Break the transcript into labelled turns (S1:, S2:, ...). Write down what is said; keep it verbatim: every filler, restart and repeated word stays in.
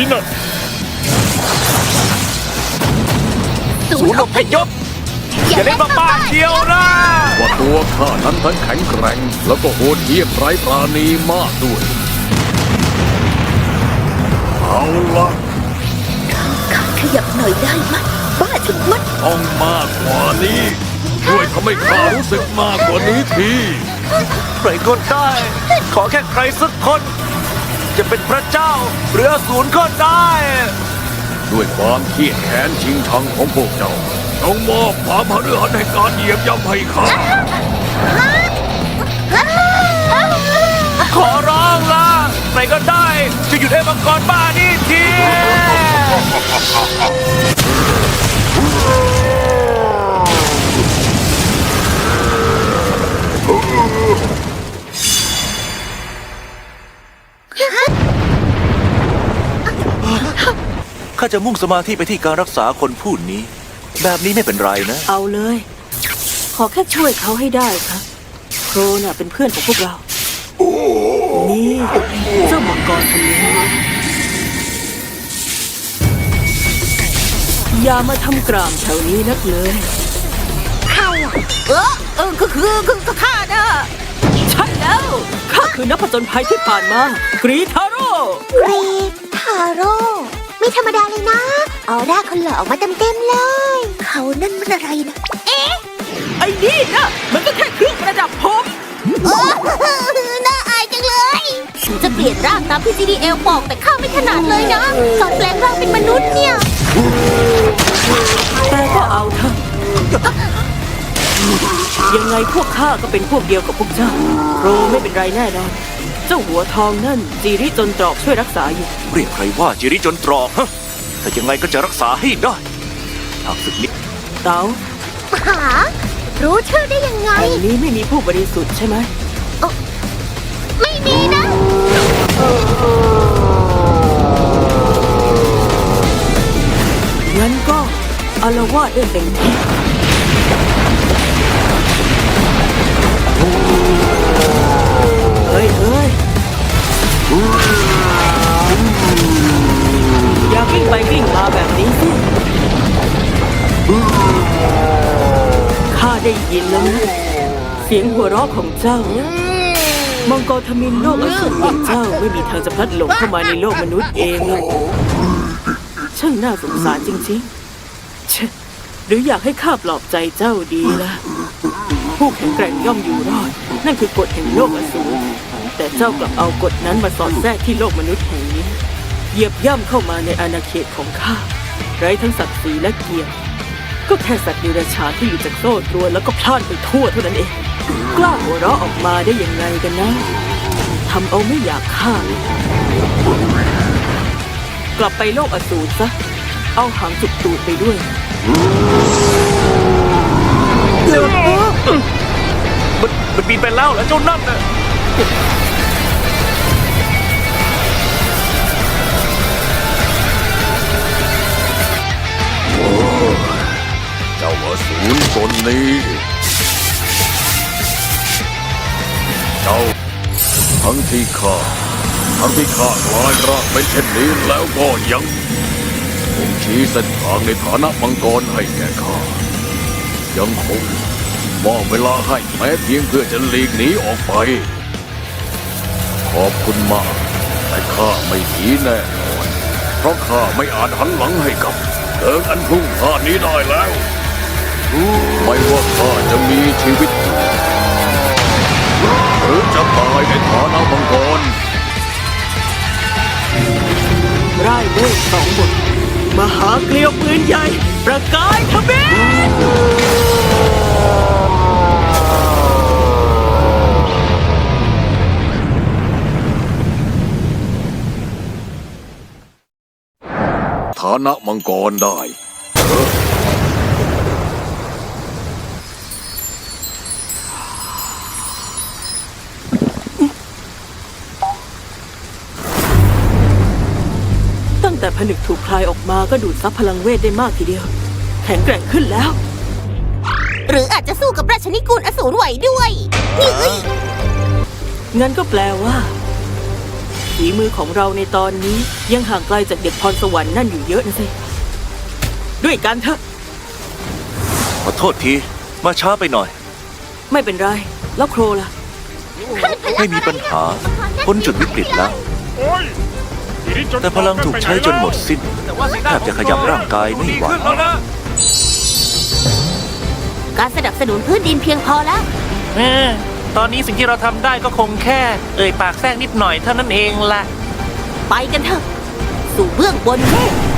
S1: นะ
S2: ศูนย์อพยพอย่าเล่นบ้าๆเชียวนะ
S3: ว่าตัวข้านั้นทั้งแข็งแกร่งแล้วก็โหดเหี้ยมไร้ปราณีมากด้วยเอาละ
S4: ข้าขยับหน่อยได้ไหมบ้าชะมัด
S3: ต้องมากกว่านี้ช่วยทำให้ข้ารู้สึกมากกว่านี้ที
S2: ใครก็ได้ขอแค่ใครสักคนจะเป็นพระเจ้าหรืออสูรก็ได้
S3: ด้วยความเครียดแค้นชิงชังของพวกเจ้าจงมอบความพฤหัสแห่งการเหยียบย่ำให้ข้า
S2: ขอร้องละใครก็ได้จะหยุดให้มังกรบ้านี่ทีข้าจะมุ่งสมาธิไปที่การรักษาคนผู้นี้แบบนี้ไม่เป็นไรนะ
S4: เอาเลยขอแค่ช่วยเขาให้ได้ครับโครน่ะเป็นเพื่อนของพวกเรานี่เจ้ามังกรคนนี้อย่ามาทำกรามแถวนี้นักเลยข้าเออเออก็คือคือข้านะใช่แล้วข้าคือนักผจญภัยที่ผ่านมากรีทาโร่
S5: กรีทาโร่ไม่ธรรมดาเลยนะออร่าคนหล่อออกมาเต็มๆเลยเขานั่นมันอะไรนะเอ๊ะ
S4: ไอ้นี่นะมันก็แค่เครื่องประดับผม
S5: โอ้น่าอายจังเลยจะเปลี่ยนร่างตามที่ จี ดี เอล บอกแต่ข้าไม่ถนัดเลยนะตอนแปลงร่างเป็นมนุษย์เนี่ย
S4: แต่ก็เอาเถอะยังไงพวกข้าก็เป็นพวกเดียวกับพวกเจ้าโรไม่เป็นไรแน่นอนเจ้าหัวทองนั่นจีริจนตรอกช่วยรักษาอยู่
S2: เรียกใครว่าจีริจนตรอกฮะแต่ยังไงก็จะรักษาให้ได้หากศึกนี้
S4: เต๋า
S5: หารู้ชื่อได้ยังไง
S4: แห่งนี้ไม่มีผู้บริสุทธิ์ใช่ไหม
S5: ไม่มีนะ
S4: งั้นก็อาละวาดได้เต็มที่เฮ้ยเฮ้ยอย่ากิ้งไปกิ้งมาแบบนี้สิข้าได้ยินแล้วนะเสียงหัวเราะของเจ้ามังกรทมิฬโลกอสูรอย่างเจ้าไม่มีทางจะพลัดหลงเข้ามาในโลกมนุษย์เองหรอกช่างน่าสงสารจริงๆเชหรืออยากให้ข้าปลอบใจเจ้าดีล่ะผู้แข็งแกร่งย่อมอยู่รอดนั่นคือกฎแห่งโลกอสูรแต่เจ้ากลับเอากฎนั้นมาสอดแทรกที่โลกมนุษย์แห่งนี้เหยียบย่ำเข้ามาในอาณาเขตของข้าไร้ทั้งศักดิ์ศรีและเกียรติก็แค่สัตว์ดิเรกชันที่อยู่จากโซ่ตรวนแล้วก็พล่านไปทั่วเท่านั้นเองกล้าหัวเราะออกมาได้ยังไงกันนะทำเอาไม่อยากฆ่ากลับไปโลกอสูรซะเอาหางจุกตูดไปด้วย
S2: มันมันบินไปแล้วแล้วเจ้านั่นน่ะ
S3: เจ้าอสูรตนนี้เจ้าทั้งที่ข้าทั้งที่ข้ากลายร่างเป็นเช่นนี้แล้วก็ยังคงชี้เส้นทางในฐานะมังกรให้แก่ข้ายังคงมอบเวลาให้แม้เพียงเพื่อจะหลีกหนีออกไปขอบคุณมากแต่ข้าไม่หนีแน่นอนเพราะข้าไม่อาจหันหลังให้กับเดินอันพรุ่งพลาดนี้ได้แล้วไม่ว่าข้าจะมีชีวิตอยู่หรือจะตายในฐานะมังกร
S4: ไร้เวทสองบทมหาเกลียวปืนใหญ่ประกายทมิฬ
S3: ฐานะมังกรได้
S4: แต่ผนึกถูกคลายออกมาก็ดูดซับพลังเวทได้มากทีเดียวแข็งแกร่งขึ้นแล้ว
S5: หรืออาจจะสู้กับราชนิกูลอสูรไหวด้วยนี่
S4: งั้นก็แปลว่าฝีมือของเราในตอนนี้ยังห่างไกลจากเด็กพรสวรรค์นั่นอยู่เยอะนะสิด้วยกันเถอะ
S2: ขอโทษที มาช้าไปหน่อย
S4: ไม่เป็นไรแล้วโครล่ะ
S2: ไม่มีปัญหาพ้นจุดวิกฤตแล้ว แต่พลังถูกใช้จนหมดสิ้นแทบจะขยับร่างกายไม่ไหว
S5: การสนับสนุนพื้นดินเพียงพอแล้ว
S1: เออตอนนี้สิ่งที่เราทำได้ก็คงแค่ เอ่ยปากแทรกนิดหน่อยเท่านั้นเองละ
S5: ไปกันเถอะ สู่เบื้องบนเมฆ